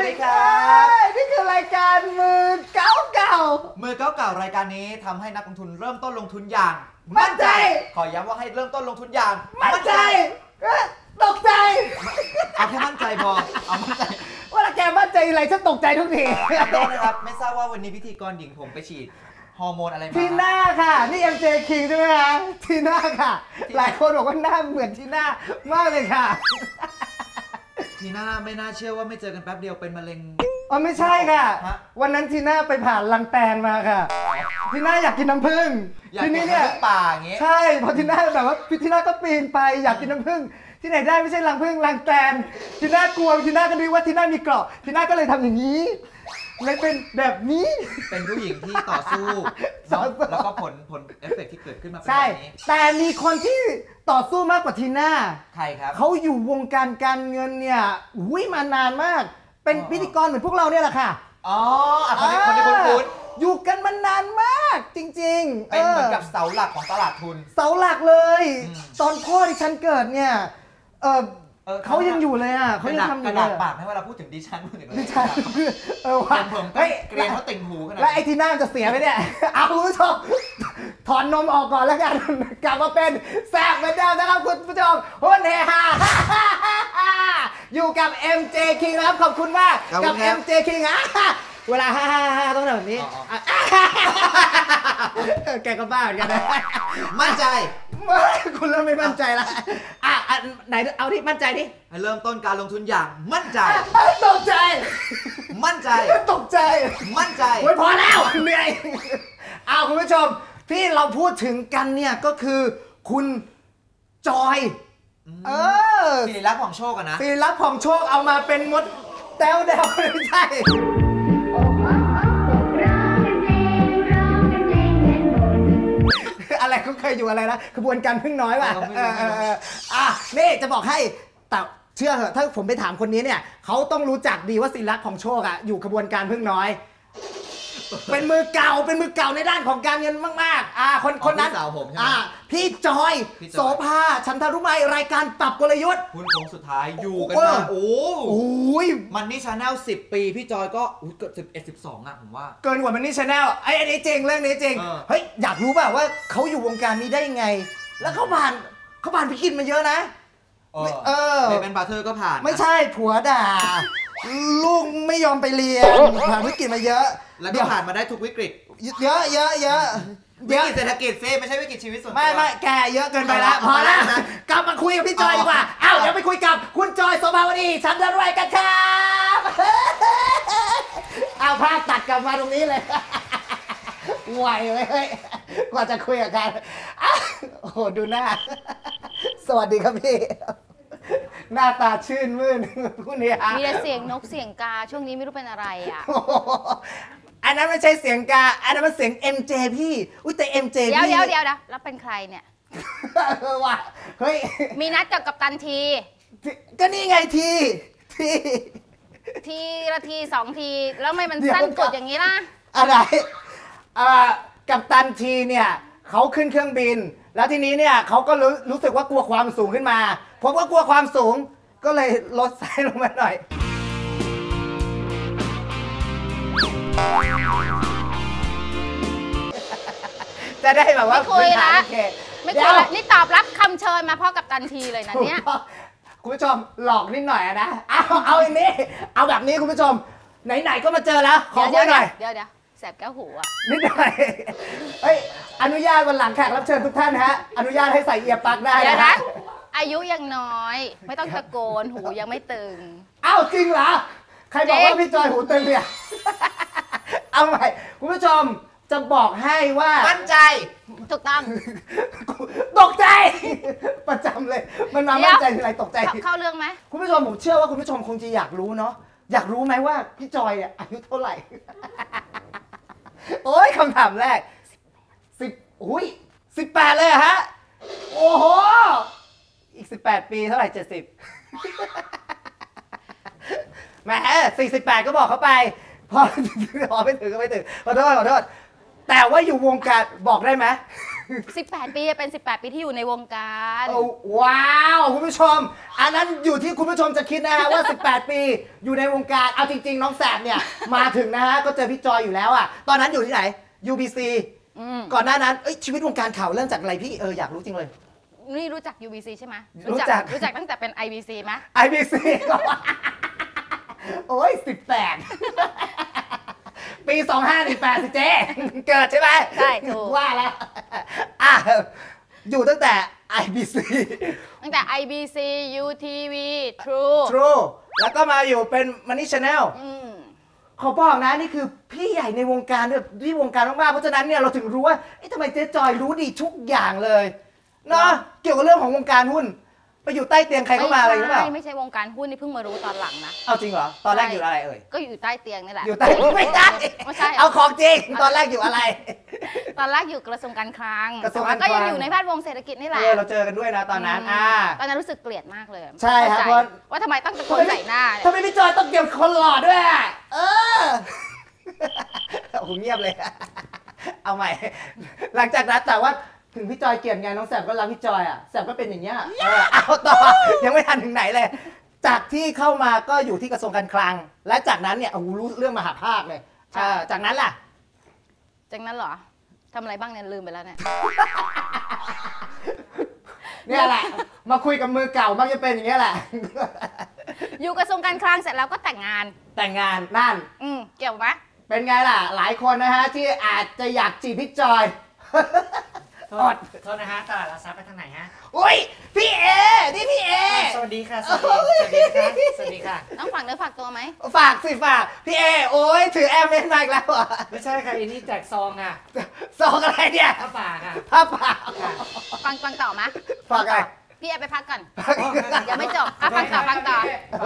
ดีครับนี่คือรายการมือเก่าๆรายการนี้ทำให้นักลงทุนเริ่มต้นลงทุนอย่างมั่นใจขอย้ำว่าให้เริ่มต้นลงทุนอย่างมั่นใจตกใจเอาแค่มั่นใจพอเอามั่นใจว่าแกมั่นใจอะไรฉันตกใจทุกทีโทษนะครับไม่ทราบว่าวันนี้พิธีกรหญิงผมไปฉีดฮอร์โมนอะไรมาทีน่าค่ะนี่ MJ King ใช่ไหมคะทีน่าค่ะหลายคนบอกว่าหน้าเหมือนทีน่ามากเลยค่ะทีน่าไม่น่าเชื่อว่าไม่เจอกันแป๊บเดียวเป็นมะเร็งอ๋อไม่ใช่ค่ะวันนั้นทีน่าไปผ่านรังแตนมาค่ะทีน่าอยากกินน้ำผึ้งทีนี้เนี่ยป่าอย่างงี้ใช่พอทีน่าแบบว่าทีน่าก็ปีนไปอยากกินน้ำผึ้งที่ไหนได้ไม่ใช่รังผึ้งรังแตนทีน่ากลัวทีน่าก็นึกว่าทีน่ามีเกราะทีน่าก็เลยทำอย่างนี้เลยเป็นแบบนี้เป็นผู้หญิงที่ต่อสู้แล้วก็ผลเอฟเฟกต์ที่เกิดขึ้นมาเป็นแบบนี้แต่มีคนที่ต่อสู้มากกว่าทีน่าใครครับเขาอยู่วงการการเงินเนี่ยมานานมากเป็นพิธีกรเหมือนพวกเราเนี่ยแหละค่ะอ๋อคนที่คุ้นอยู่กันมานานมากจริงๆเป็นเหมือนกับเสาหลักของตลาดทุนเสาหลักเลยตอนพ่อที่ฉันเกิดเนี่ยเขายังอยู่เลยอ่ะเขายังทำอยู่กระดาษปากให้เวลาพูดถึงดิฉันพูดถึงดิฉันว่าผมเกรียนเขาติ่งหูขนาดแล้วไอ้ทีน่าจะเสียไหมเนี่ยเอาคุณผู้ชมถอนนมออกก่อนแล้วกันกลับมาเป็นแซ่บเหมือนเดิมนะครับคุณผู้ชมฮุนเฮฮาอยู่กับ MJ King นะครับขอบคุณมากกับ MJ King เวลาฮ่าต้องแบบนี้แกก็บ้าเหมือนกันนะมั่นใจคุณเริ่มไม่มั่นใจแล้วไหนเอาที่มั่นใจดิให้เริ่มต้นการลงทุนอย่างมั่นใจตกใจมั่นใจตกใจมั่นใจโอ้ยพอแล้วเหนื่อยคุณผู้ชมที่เราพูดถึงกันเนี่ยก็คือคุณจอยศิริลักษณ์ผ่องโชคกันนะศิริลักษณ์ผ่องโชคเอามาเป็นมดแต้วไม่ใช่อะไรเขาเคยอยู่อะไรนะขบวนการพึ่งน้อยป่ะนี่จะบอกให้แต่เชื่อเหอะถ้าผมไปถามคนนี้เนี่ยเขาต้องรู้จักดีว่าศิริลักษณ์ผ่องโชคอยู่ขบวนการพึ่งน้อยเป็นมือเก่าในด้านของการเงินมากๆคนนั้นพี่จอยโสภาฉันทรุไมรายการปรับกลยุทธ์คุณโค้งสุดท้ายอยู่กันมาโอ้ยมันนี่ชาแนล10 ปีพี่จอยก็เกือบ11-12ผมว่าเกินกว่ามันนี่ชาแนลไอ้นี้จริงเรื่องนี้จริงเฮ้ยอยากรู้ป่ะว่าเขาอยู่วงการนี้ได้ยังไงแล้วเขาผ่านพิกินมาเยอะนะเป็นบาร์เทอร์ก็ผ่านไม่ใช่ผัวด่าลูกไม่ยอมไปเรียนผ่านวิกฤตมาเยอะแล้วก็ผ่านมาได้ทุกวิกฤตเยอะวิกฤตเศรษฐกิจซิไม่ใช่วิกฤตชีวิตส่วนตัวไม่แกเยอะเกินไปแล้วพอแล้วกลับมาคุยกับพี่จอยดีกว่าเดี๋ยวไปคุยกับคุณจอยโสภาวดีฉันจะรวยกันครับภาพตัดกลับมาตรงนี้เลยไหวเลยกว่าจะคุยกับกันโอ้โหดูหน้าสวัสดีครับพี่หน้าตาชื่นมื่นคุณเนี่ยมีแต่เสียงนกเสียงกาช่วงนี้ไม่รู้เป็นอะไรอันนั้นไม่ใช่เสียงกาอันนั้นมันเสียง MJ พี่แต่ MJ พี่เดี๋ยวแล้วเป็นใครเนี่ยว่าเฮ้ยมีนัดกับกัปตันทีก็นี่ไงทีละที2 ทีแล้วไม่มันสั้นกดอย่างนี้ล่ะอะไรกัปตันทีเนี่ยเขาขึ้นเครื่องบินแล้วทีนี้เนี่ยเขาก็รู้สึกว่ากลัวความสูงขึ้นมาผมก็กลัวความสูงก็เลยลดไซส์ลงมาหน่อยจะได้แบบว่าไม่คุยละนี่ตอบรับคำเชิญมาพ่อกับตันทีเลยนะเนี่ยคุณผู้ชมหลอกนิดหน่อยนะเอาอย่างนี้เอาแบบนี้คุณผู้ชมไหนๆก็มาเจอแล้วขอคุยหน่อยเดี๋ยวแสบแก้วหูนิดหน่อยเฮ้ยอนุญาตวันหลังแขกรับเชิญทุกท่านฮะอนุญาตให้ใส่เอียร์ปลั๊กได้นะอายุยังน้อยไม่ต้องตะโกนหูยังไม่ตึงจริงเหรอใครบอกว่าพี่จอยหูตึงเนี่ยเอาใหม่คุณผู้ชมจะบอกให้ว่ามั่นใจถูกต้องตกใจประจำเลยมันมามั่นใจทีไรตกใจเข้าเรื่องไหมคุณผู้ชมผมเชื่อว่าคุณผู้ชมคงจะอยากรู้เนาะอยากรู้ไหมว่าพี่จอยอายุเท่าไหร่โอ้ยคำถามแรก18เลยฮะโอ้โหอีก18 ปีเท่าไหร่70แหม48ก็บอกเขาไปพอไม่ถึงก็ไม่ถึงขอโทษแต่ว่าอยู่วงการบอกได้ไหม 18 ปีเป็น 18 ปีที่อยู่ในวงการว้าวคุณผู้ชม อันนั้นอยู่ที่คุณผู้ชมจะคิดนะฮะว่า 18 ปีอยู่ในวงการเอาจริงๆน้องแสบเนี่ยมาถึงนะฮะก็เจอพี่จอยอยู่แล้วอ่ะตอนนั้นอยู่ที่ไหน UBC ก่อนหน้านั้นชีวิตวงการข่าวเริ่มจากอะไรพี่อยากรู้จริงเลยนี่รู้จัก UBC ใช่ไหมรู้จักตั้งแต่เป็น IBC ไหม IBC โอ้ย18 ปี 2518สิเจ๊เกิดใช่ไหมใช่ถูกว่าแล้วอยู่ตั้งแต่ IBC ตั้งแต่ IBC UTV True True แล้วก็มาอยู่เป็น Money Channel อืมขอบอกนะนี่คือพี่ใหญ่ในวงการแบบที่วงการมากๆเพราะฉะนั้นเนี่ยเราถึงรู้ว่าทำไมเจ๊จอยรู้ดีทุกอย่างเลยเนาะเกี่ยวกับเรื่องของวงการหุ้นไปอยู่ใต้เตียงใครเข้ามาอะไรหรือเปล่าไม่ใช่วงการหุ้นนี่เพิ่งมารู้ตอนหลังนะเอาจริงเหรอตอนแรกอยู่อะไรเอ่ยก็อยู่ใต้เตียงนี่แหละอยู่ใต้ไม่ได้ไม่ใช่เหรอเอาของจริงตอนแรกอยู่อะไรตอนแรกอยู่กระทรวงการคลังกระทรวงแต่การคลังก็ยังอยู่ในแวดวงเศรษฐกิจนี่แหละเราเจอกันด้วยนะตอนนั้นตอนนั้นรู้สึกเกลียดมากเลยใช่ครับเข้าใจเพราะว่าทำไมต้องตะโกนใส่หน้าเนี่ยทำไมพี่จอยต้องเกี่ยวคนหล่อด้วยอะโอ้โหเงียบเลย เอาใหม่ หลังจากนั้นแต่ว่าถึงพี่จอยเกลียดไงน้องแสบก็รักพี่จอยอ่ะแสบก็เป็นอย่างเงี้ยเอาต่อยังไม่ทันถึงไหนเลย จากที่เข้ามาก็อยู่ที่กระทรวงการคลัง และจากนั้นเนี่ยโอ้โหรู้เรื่องมหาภาคเลยจากนั้นล่ะจากนั้นเหรอทำอะไรบ้างเนี่ยลืมไปแล้วเนี่ยเนี่ยแหละ มาคุยกับมือเก่ามักจะเป็นอย่างเงี้ยแหละอยู่กระทรวงการคลังเสร็จแล้วก็แต่งงานแต่งงานนั่นเกี่ยวไหมเป็นไงล่ะ หลายคนนะฮะที่อาจจะอยากจีบพี่จอยโทษนะฮะตลาดหลักทรัพย์ไปทางไหนฮะอุ้ยพี่เอนี่พี่เอสวัสดีค่ะ สวัสดีค่ะ สวัสดีค่ะต้องฝากเนื้อฝากตัวไหมฝากสิฝากพี่เอโอ้ยถือแอมเมนมาอีกแล้วเหรอไม่ใช่ค่ะอันนี้แจกซองค่ะซองอะไรเนี่ยผ้าป่าค่ะผ้าป่าค่ะฟังต่อไหมฝากอะไรพี่ไปพักก่อนยังไม่จบฟังต่อฟังต่อ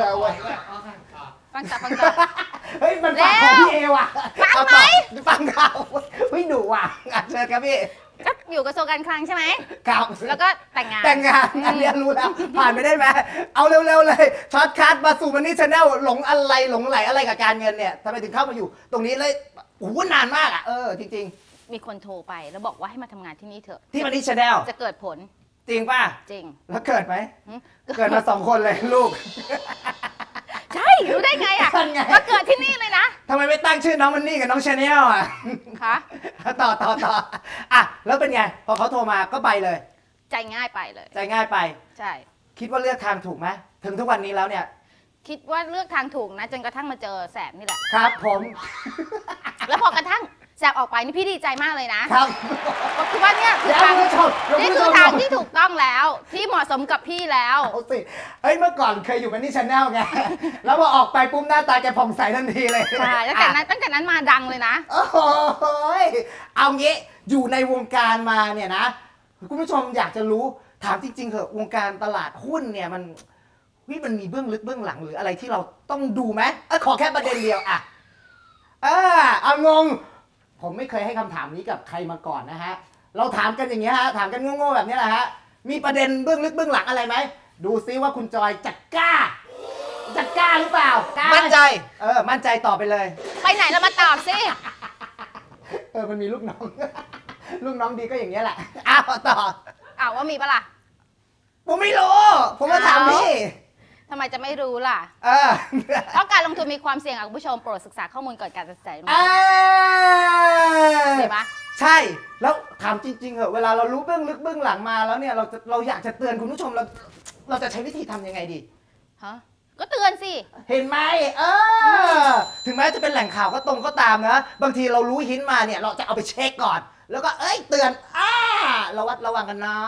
เฮ้ยมันฝากของพี่เอว่ะฟังไหมฟังข่าวเฮ้ยดุว่ะเชิญครับพี่ก็อยู่กระทรวงการคลังใช่ไหมครับแล้วก็แต่งงานแต่งงานอันเรียนรู้แล้วผ่านไปได้ไหมเอาเร็วๆเลยช็อตคัทมาสู่มันนี่ชาแนลหลงอะไรหลงไหลอะไรกับการเงินเนี่ยทำไมถึงเข้ามาอยู่ ตรงนี้เลยโอ้โหนานมากอ่ะจริงมีคนโทรไปแล้วบอกว่าให้มาทำงานที่นี่เถอะๆที่มันนี่ชาแนลจะเกิดผลจริงป่ะจริงแล้วเกิดไหมหึเกิดมา2 คนเลยลูกใช่รู้ได้ไงอ่ะนั่นไงว่าเกิดที่นี่เลยนะทำไมไม่ตั้งชื่อน้องมันนี่กับน้องชาแนลอ่ะคะต่ออ่ะแล้วเป็นไงพอเขาโทรมาก็ไปเลยใจง่ายไปเลยใจง่ายไปใช่คิดว่าเลือกทางถูกไหมถึงทุกวันนี้แล้วเนี่ยคิดว่าเลือกทางถูกนะจนกระทั่งมาเจอแสบนี่แหละครับผมแล้วพอกระทั่งแสบออกไปนี่พี่ดีใจมากเลยนะครับ ก็คือว่าเนี่ยคือแล้วทางคุณผู้ชมนี่คือทางที่ถูกต้องแล้วที่เหมาะสมกับพี่แล้วเอาสิเฮ้ยเมื่อก่อนเคยอยู่กันที่ชาแนลไง แล้วพอออกไปปุ๊บหน้าตาแกผ่องใสทันทีเลยใช่ตั้งแต่นั้นมาดังเลยนะโอ้โหยเอางี้อยู่ในวงการมาเนี่ยนะคุณผู้ชมอยากจะรู้ถามจริงๆเถอะวงการตลาดหุ้นเนี่ยมันมีเบื้องลึกเบื้องหลังหรืออะไรที่เราต้องดูไหมขอแค่ประเด็นเดียวอะเอางง ผมไม่เคยให้คำถามนี้กับใครมาก่อนนะฮะเราถามกันอย่างเงี้ยฮะถามกันโง่ๆแบบนี้แหละฮะมีประเด็นเบื้องลึกเบื้องหลังอะไรไหมดูซิว่าคุณจอยจะกล้าหรือเปล่ากล้ามั่นใจมั่นใจต่อไปเลยไปไหนเรามาตอบสิมันมีลูกน้อง ลูกน้องดีก็อย่างเงี้ยแหละอ้าวต่อว่ามีปะล่ะผมไม่รู้ผมมาถามพี่ทำไมจะไม่รู้ล่ะเออเพราะการลงทุนมีความเสี่ยงคุณผู้ชมโปรดศึกษาข้อมูลก่อนการตัดสินใจลงทุนเห็นปะใช่แล้วถามจริงๆเหอะเวลาเรารู้เบื้องลึกเบื้องหลังมาแล้วเนี่ยเราอยากจะเตือนคุณผู้ชมเราจะใช้วิธีทำยังไงดีฮะก็เตือนสิเห็นไหมถึงแม้จะเป็นแหล่งข่าวก็ตรงก็ตามนะบางทีเรารู้หินมาเนี่ยเราจะเอาไปเช็คก่อน แล้วก็เตือนระวัดระวังกันนะ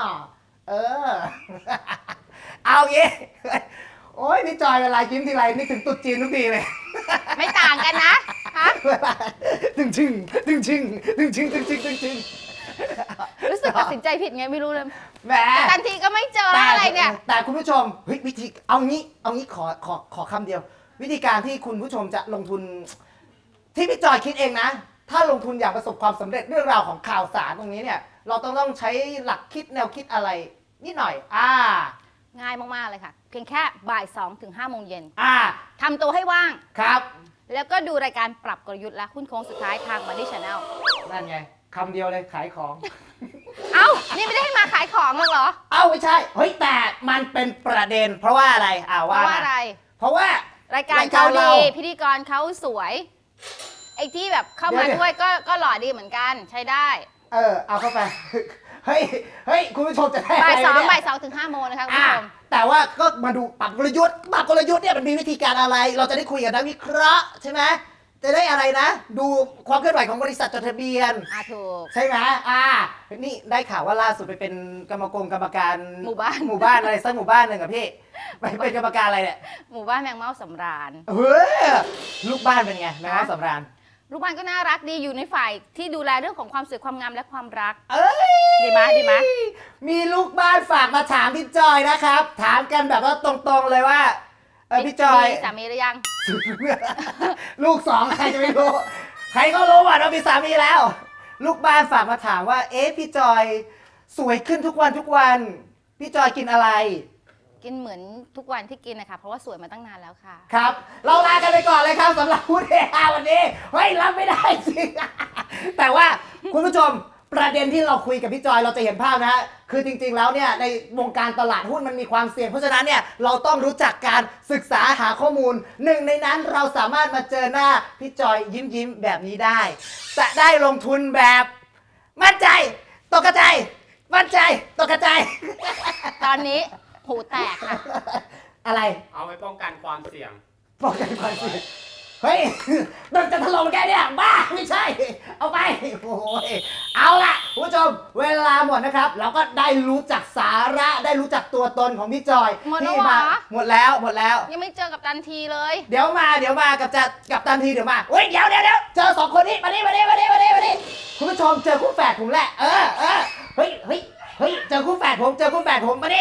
เอางี้โอ้ยพี่จอยเวลายิ้มทีไรนึกถึงตุ๊ดจีนทุกทีเลยไม่ต่างกันนะฮะตึงชึงรู้สึกตัดสินใจผิดไงไม่รู้เลยแหมทันทีก็ไม่เจออะไรเนี่ยแต่คุณผู้ชมเฮ้ยวิธีเอางี้ขอคำเดียว วิธีการที่คุณผู้ชมจะลงทุนที่พี่จอยคิดเองนะ ถ้าลงทุนอยากประสบความสำเร็จเรื่องราวของข่าวสารตรงนี้เนี่ย เราต้องใช้หลักคิดแนวคิดอะไรนิดหน่อยง่ายมากๆเลยค่ะ เพียงแค่บ่าย2 ถึง 5 โมงเย็น ทำตัวให้ว่างครับแล้วก็ดูรายการปรับกลยุทธ์และหุ้นโค้งสุดท้ายทาง Money Channel นั่นไงคำเดียวเลยขายของเอ้านี่ไม่ได้ให้มาขายของหรอกเหรอเอ้าไม่ใช่เฮ้ยแต่มันเป็นประเด็นเพราะว่าอะไรเพราะว่าอะไรเพราะว่ารายการเขาดีพิธีกรเขาสวยไอ้ที่แบบเข้ามาด้วยก็หล่อดีเหมือนกันใช้ได้เอาเข้าไปเฮ้ยคุณผู้ชมจะได้บ่าย 2ถึง 5 โมงนะคะคุณผู้ชมแต่ว่าก็มาดูปรับกลยุทธ์เนี่ยมันมีวิธีการอะไรเราจะได้คุยกับนักวิเคราะห์ใช่ไหมจะได้อะไรนะดูความเคลื่อนไหวของบริษัทจดทะเบียนถูกใช่ไหมนี่ได้ข่าวว่าล่าสุดไปเป็นกรรมการหมู่บ้านอะไรสักหมู่บ้านหนึ่งอะพี่ไปเป็นกรรมการอะไรเนี่ยหมู่บ้านแมงเม่าสำราญเฮ้ยลูกบ้านเป็นไงแมงเม่าสำราญลูกบ้านก็น่ารักดีอยู่ในฝ่ายที่ดูแลเรื่องของความสวยความงามและความรักดีไหมมีลูกบ้านฝากมาถามพี่จอยนะครับถามกันแบบว่าตรงๆเลยว่าพี่จอยสามีหรือยังลูก2ใครจะไม่รู้ใครก็รู้ว่าเรามีสามีแล้วลูกบ้านฝากมาถามว่าพี่จอยสวยขึ้นทุกวันพี่จอยกินอะไรกินเหมือนทุกวันที่กินนะคะเพราะว่าสวยมาตั้งนานแล้วค่ะครับเราลากันไปก่อนเลยครับสำหรับพูดเฮฮาวันนี้เฮ้ยรับไม่ได้จริงแต่ว่าคุณผู้ชมประเด็นที่เราคุยกับพี่จอยเราจะเห็นภาพนะฮะคือจริงๆแล้วเนี่ยในวงการตลาดหุ้นมันมีความเสี่ยงเพราะฉะนั้นเนี่ยเราต้องรู้จักการศึกษาหาข้อมูลหนึ่งในนั้นเราสามารถมาเจอหน้าพี่จอยยิ้มแบบนี้ได้จะได้ลงทุนแบบมั่นใจตกกระจายมั่นใจตกกระจายตอนนี้หูแตกค่ะอะไรเอาไว้ป้องกันความเสี่ยงเฮ้ยมันจะถล่มแกเนี่ยบ้าไม่ใช่เอาไปโอ้ยเอาล่ะคุณผู้ชมเวลาหมดนะครับเราก็ได้รู้จักสาระได้รู้จักตัวตนของพี่จอยที่มาหมดแล้วยังไม่เจอกับตันทีเลยเดี๋ยวมากับตันทีเดี๋ยวมาเฮ้ยเดี๋ยวเจอ2คนนี้มาดิคุณผู้ชมเจอคู่แฝดผมแหละเฮ้ยเจอคู่แฝดผมมาดิ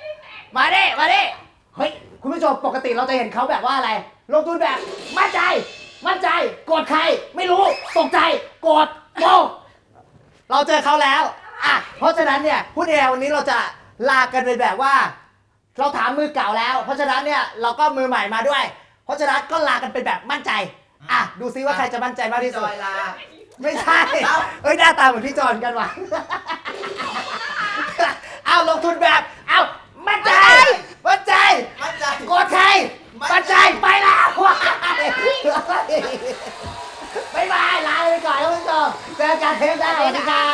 เฮ้ยคุณผู้ชมปกติเราจะเห็นเขาแบบว่าอะไรลงทุนแบบมั่นใจโกรธใครไม่รู้ตกใจโกรธโมเราเจอเขาแล้วเพราะฉะนั้นเนี่ยพูดแนววันนี้เราจะลากันไปแบบว่าเราถามมือเก่าแล้วเพราะฉะนั้นเนี่ยเราก็มือใหม่มาด้วยเพราะฉะนั้นก็ลากันเป็นแบบมั่นใจดูซิว่าใครจะมั่นใจมากที่สุดไม่ใช่หน้าตาเหมือนพี่จอนกันว่ะลงทุนแบบมั่นใจโกรธใครมั่นใจไปแล้วบ๊ายบายลาไปก่อนท่านผู้ชมเจอกันเทปหน้าสวัสดีครับ